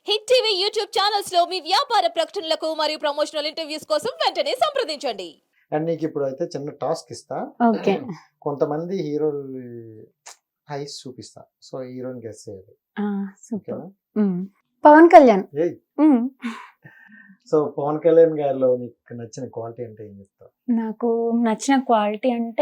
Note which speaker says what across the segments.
Speaker 1: Hit TV YouTube channels లో మీ వ్యాపార ప్రకటనలకు మరియు ప్రమోషనల్ ఇంటర్వ్యూస్ కోసం వెంటనే సంప్రదించండి.
Speaker 2: అండ్ నీకు ఇప్పుడు అయితే చిన్న టాస్క్ ఇస్తా.
Speaker 3: ఓకే.
Speaker 2: కొంతమంది హీరోలు ఐస్ చూపిస్తా, సో హీరోని గెస్ చేయాలి.
Speaker 3: సూపర్.
Speaker 2: ఓకేనా?
Speaker 3: పవన్ కళ్యాణ్.
Speaker 2: ఏయ్, సో పవన్ కళ్యాణ్ గారిలో నీకు నచ్చిన క్వాలిటీ అంటే ఏం చెప్తావు?
Speaker 3: నాకు నచ్చిన క్వాలిటీ అంటే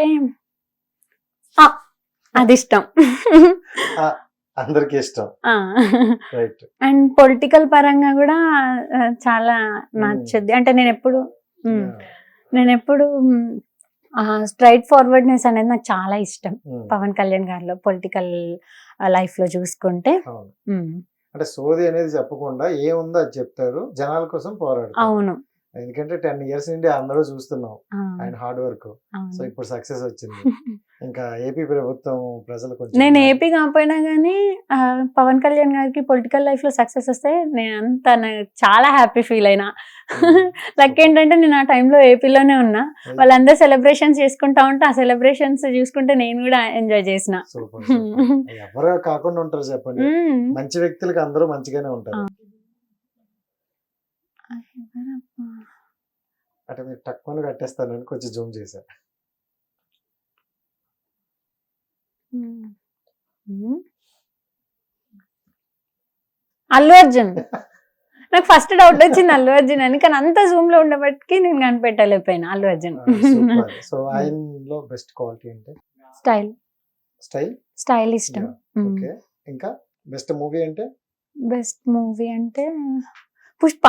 Speaker 3: అది ఇష్టం.
Speaker 2: అందరికి ఇష్టం, రైట్.
Speaker 3: అండ్ పొలిటికల్ పరంగా కూడా చాలా నచ్చుద్ది. అంటే నేను ఎప్పుడు స్ట్రైట్ ఫార్వర్డ్నెస్ అనేది నాకు చాలా ఇష్టం పవన్ కళ్యాణ్ గారిలో. పొలిటికల్ లైఫ్ లో చూసుకుంటే
Speaker 2: అంటే సోది అనేది చెప్పకుండా ఏముందో అది చెప్తారు, జనాల కోసం పోరాడతారు.
Speaker 3: అవును.
Speaker 2: ఎందుకంటే 10 years నుండి అందరూ చూస్తున్నాం ఆయన హార్డ్ వర్క్. సో ఇప్పుడు సక్సెస్ వచ్చింది. ఇంకా ఏపీ ప్రభుత్వం ప్రజలు కొంచెం,
Speaker 3: నేను ఏపీ కాకపోయినా కానీ పవన్ కళ్యాణ్ గారికి పొలిటికల్ లైఫ్ లో సక్సెస్ వస్తే నేను చాలా హ్యాపీ ఫీల్ అయినా. లక్ ఏంటంటే నేను ఆ టైంలో ఏపీలోనే ఉన్నా. వాళ్ళందరూ సెలబ్రేషన్స్ చేసుకుంటా ఉంటే ఆ సెలబ్రేషన్స్ చూసుకుంటే నేను కూడా ఎంజాయ్ చేసిన.
Speaker 2: ఎవరు కాకుండా ఉంటారు చెప్పండి, మంచి వ్యక్తులకి అందరూ మంచిగానే ఉంటారు. అంటే మీరు తక్కువ కట్టేస్తానని కొంచెం జూమ్ చేశా.
Speaker 3: అల్లు అర్జున్. నాకు ఫస్ట్ డౌట్ వచ్చింది అల్లు అర్జున్ అని, కానీ అంత జూమ్ లో ఉండబట్టి నేను కనిపెట్టలేకపోయినా. అల్లు అర్జున్.
Speaker 2: సో ఆయనలో బెస్ట్ క్వాలిటీ అంటే
Speaker 3: స్టైల్. స్టైల్ ఇష్టం.
Speaker 2: ఓకే. ఇంకా బెస్ట్ మూవీ అంటే?
Speaker 3: బెస్ట్ మూవీ అంటే పుష్ప.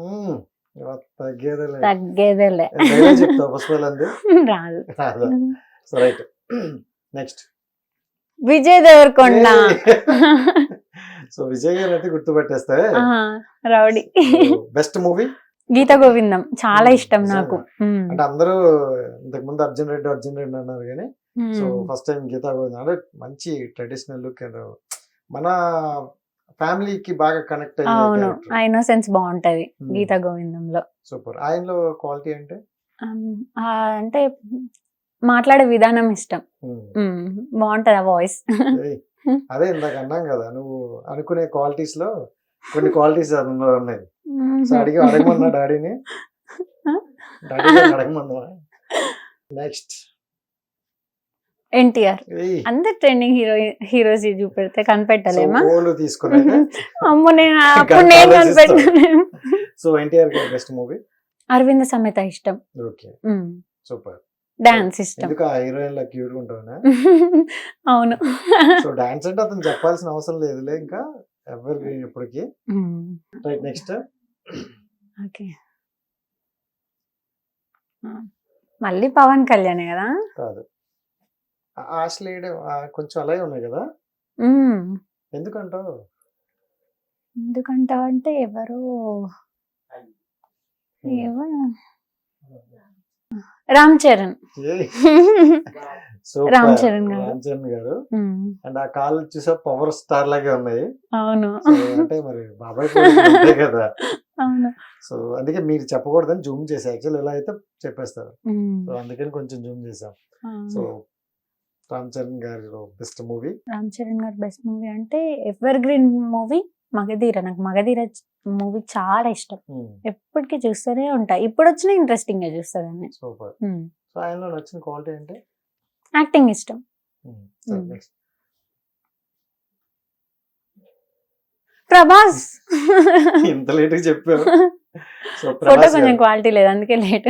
Speaker 3: తగ్గేదేలే.
Speaker 2: చెప్తావు పుష్పలంది?
Speaker 3: రాదు.
Speaker 2: So right. Next
Speaker 3: Vijay Deverakonda.
Speaker 2: So Vijay garu అయితే గుర్తుపెట్టేస్తా.
Speaker 3: Rowdy.
Speaker 2: Best movie
Speaker 3: Geetha Govindam చాలా ఇష్టం నాకు.
Speaker 2: అంటే అందరూ ఇంతకు ముందు అర్జున్ రెడ్డి అన్నారు కానీ, so first time Geetha Govindam అంటే మంచి ట్రెడిషనల్ లుక్ అండ్ మన ఫ్యామిలీకి బాగా కనెక్ట్
Speaker 3: అవును. ఆ ఇన్నోసెన్స్ బాగుంటది గీతా గోవిందంలో.
Speaker 2: సూపర్. ఆయనలో క్వాలిటీ అంటే
Speaker 3: అంటే మాట్లాడే విధానం ఇష్టం. బాగుంటది ఆ వాయిస్.
Speaker 2: అదే ఇందాక అన్నాం కదా, నువ్వు అనుకునే క్వాలిటీస్ లో కొన్ని క్వాలిటీస్ అందులో ఉన్నాయి. సో అడగమన్నా డాడీని అడగమన్నా. నెక్స్ట్ ఎన్టీఆర్.
Speaker 3: అందరు ట్రెండింగ్ హీరోస్ చూపెడితే కనిపెట్టలేమా? అమ్మో, నేను కనిపెట్టలేను.
Speaker 2: So NTR best movie
Speaker 3: Aravinda Sametha ఇష్టం.
Speaker 2: Okay, super.
Speaker 3: డాన్స్ ఇష్టం.
Speaker 2: ఎందుకు ఆ హీరోయిన్ లా క్యూట్ గా ఉంటావునా?
Speaker 3: అవును.
Speaker 2: సో డాన్స్ అంటే అతను చెప్పాల్సిన అవసరం లేదులే, ఇంకా ఎవరు ఎప్పటికీ. రైట్. నెక్స్ట్
Speaker 3: ఓకే, మళ్ళీ పవన్ కళ్యాణ్ కదా?
Speaker 2: కాదు, ఆశ్లేయడం కొంచెం అలాగే ఉన్నాయి కదా. ఎందుకంటావు
Speaker 3: అంటే ఎవరు రామ్ చరణ్. రామ్ చరణ్
Speaker 2: గారు. అండ్ ఆ కాళ్ళు చూసా పవర్ స్టార్ లాగే ఉన్నాయి.
Speaker 3: అవును.
Speaker 2: అంటే మరి బాబాయ్ కదా.
Speaker 3: అవును.
Speaker 2: సో అందుకే మీరు చెప్పకూడదని జూమ్ చేసా. యాక్చువల్ ఎలా అయితే చెప్పేస్తారు, సో అందుకని కొంచెం జూమ్ చేసాం. సో రామ్ చరణ్ గారి బెస్ట్ మూవీ?
Speaker 3: రామ్ చరణ్ గారి బెస్ట్ మూవీ అంటే ఎవర్ గ్రీన్ మూవీ మగధీర. నాకు మగధీర మూవీ చాలా ఇష్టం. ఎప్పటికీ చూస్తూనే ఉంటా. ఇప్పుడు వచ్చిన ఇంట్రెస్టింగ్ గా చూస్తాను.
Speaker 2: సూపర్. సో ఆయనలో నచ్చిన క్వాలిటీ అంటే?
Speaker 3: యాక్టింగ్ ఇష్టం. ప్రభాస్.
Speaker 2: ఇంత లేట్ గా చెప్పావు.
Speaker 3: ఫోటో కొంచెం క్వాలిటీ లేదు, అందుకే లేట్.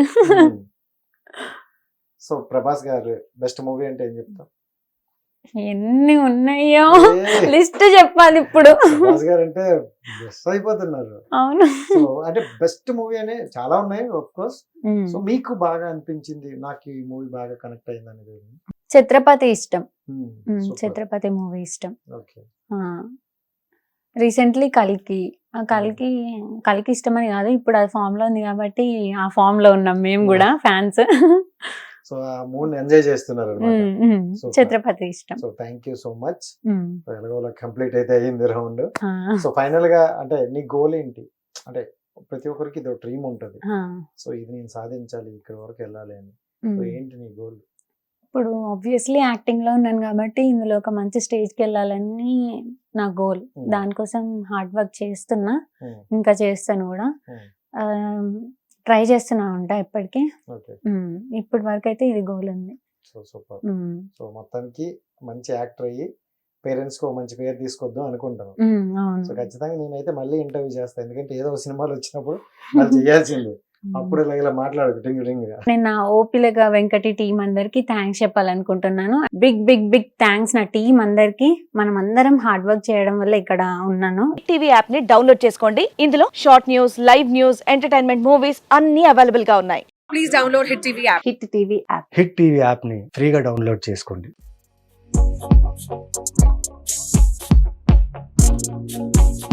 Speaker 2: సో ప్రభాస్ గారు బెస్ట్ మూవీ అంటే ఏం చెప్తావు?
Speaker 3: ఎన్ని ఉన్నాయో లిస్ట్ చెప్పాలి ఇప్పుడు.
Speaker 2: ప్రభాస్ గారు అంటే బెస్ట్ అయిపోతున్నారు.
Speaker 3: అవును.
Speaker 2: సో అంటే బెస్ట్ మూవీ అనే చాలా ఉన్నాయి ఆఫ్ కోర్స్. సో మీకు బాగా అనిపించింది, నాకు ఈ మూవీ బాగా కనెక్ట్ అయింది అనేది?
Speaker 3: ఛత్రపతి ఇష్టం. ఛత్రపతి మూవీ ఇష్టం.
Speaker 2: ఓకే.
Speaker 3: రీసెంట్లీ కల్కి ఇష్టమని కాదు, ఇప్పుడు అది ఫామ్ లో ఉంది కాబట్టి ఆ ఫామ్ లో ఉన్నాం మేము కూడా ఫ్యాన్స్.
Speaker 2: సో ఆ మూడ్ ఎంజాయ్ చేస్తున్నారు.
Speaker 3: ఛత్రపతి ఇష్టం.
Speaker 2: So thank you so much. ఎలాగోలా కంప్లీట్ అయితే అయ్యింది రౌండ్. సో ఫైనల్ గా అంటే నీ గోల్ ఏంటి? అంటే ప్రతి ఒక్కరికి ఇది డ్రీమ్ ఉంటుంది, సో ఇది నేను సాధించాలి, ఇక్కడ వరకు వెళ్ళాలి అని. సో ఏంటి నీ గోల్?
Speaker 3: ఇప్పుడు ఆబ్వియస్లీ యాక్టింగ్ లో ఉన్నాను కాబట్టి ఇందులో ఒక మంచి స్టేజ్ కి వెళ్ళాలని నా గోల్. దానికోసం హార్డ్ వర్క్ చేస్తున్నా, ఇంకా చేస్తాను కూడా. ట్రై చేస్తున్నా ఉంటా ఇప్పటికీ.
Speaker 2: ఓకే.
Speaker 3: ఇప్పటి వరకు అయితే ఇది గోల్ ఉంది.
Speaker 2: So super. సో మొత్తానికి మంచి యాక్టర్ అయ్యి పేరెంట్స్ కు మంచి పేరు తీసుకొద్దాం అనుకుంటాను. సో ఖచ్చితంగా నేనైతే మళ్ళీ ఇంటర్వ్యూ చేస్తాను, ఎందుకంటే ఏదో సినిమాలు వచ్చినప్పుడు వాళ్ళు చేయాల్సిందే. అప్పుడు ఇలా మాట్లాడు టింగ్ టింగ్ గా.
Speaker 3: నేను నా ఓపిలగా వెంకటి టీం అందరికి థ్యాంక్స్ చెప్పాలనుకుంటున్నాను. బిగ్ బిగ్ బిగ్ థ్యాంక్స్ నా టీం అందరికి. మనం అందరం హార్డ్ వర్క్ చేయడం వల్ల ఇక్కడ ఉన్నాను.
Speaker 4: టీవీ యాప్ ని డౌన్లోడ్ చేసుకోండి. ఇందులో short news, live news, entertainment movies అన్ని అవైలబుల్ గా ఉన్నాయి. Please download hit TV app.
Speaker 3: Hit TV app.
Speaker 5: Hit TV app ని ఫ్రీగా డౌన్లోడ్ చేసుకోండి.